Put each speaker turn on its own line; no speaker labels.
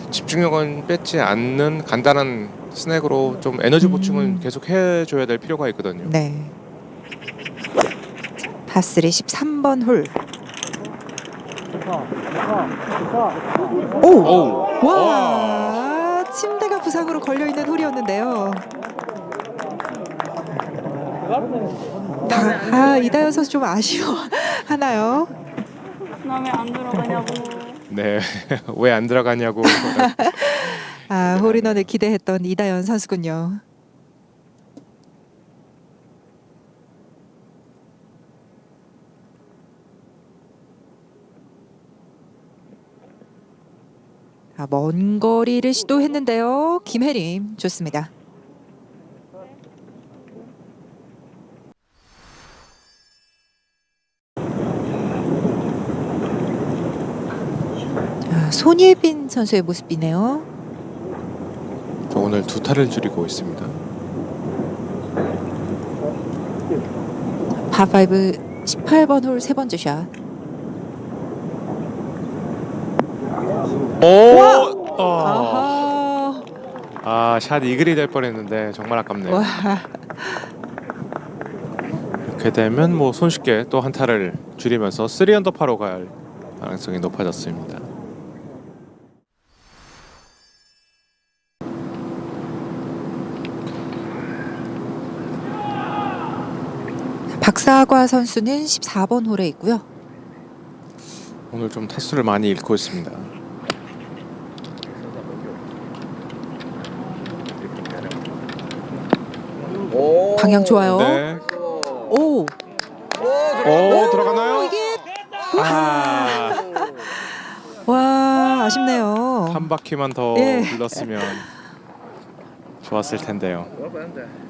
집중력은 뺏지 않는 간단한 스낵으로 좀 에너지 보충은 계속 해줘야 될 필요가 있거든요.
네. 파3 13번 홀. 오!
오우.
와! 침대가 부상으로 걸려있는 홀이었는데요. 이다현 선수 좀 아쉬워하나요?
나 왜 안 들어가냐고.
네, 왜 안 들어가냐고.
홀인원을 기대했던 이다현 선수군요. 먼 거리를 시도했는데요. 김혜림 좋습니다. 손예빈 선수의 모습이네요.
오늘 2타를 줄이고 있습니다.
파5 18번 홀 세 번째 샷.
오!
아하.
샷 이글이 될 뻔했는데 정말 아깝네요.
와.
이렇게 되면 뭐 손쉽게 또 한 타를 줄이면서 3언더파로 갈 가능성이 높아졌습니다.
박사과 선수는 14번 홀에 있고요.
오늘 좀 타수를 많이 잃고 있습니다.
방향 좋아요.
네.
오.
들어가나요?
이게 와, 아쉽네요.
한 바퀴만 더
예.
불렀으면 좋았을 텐데요.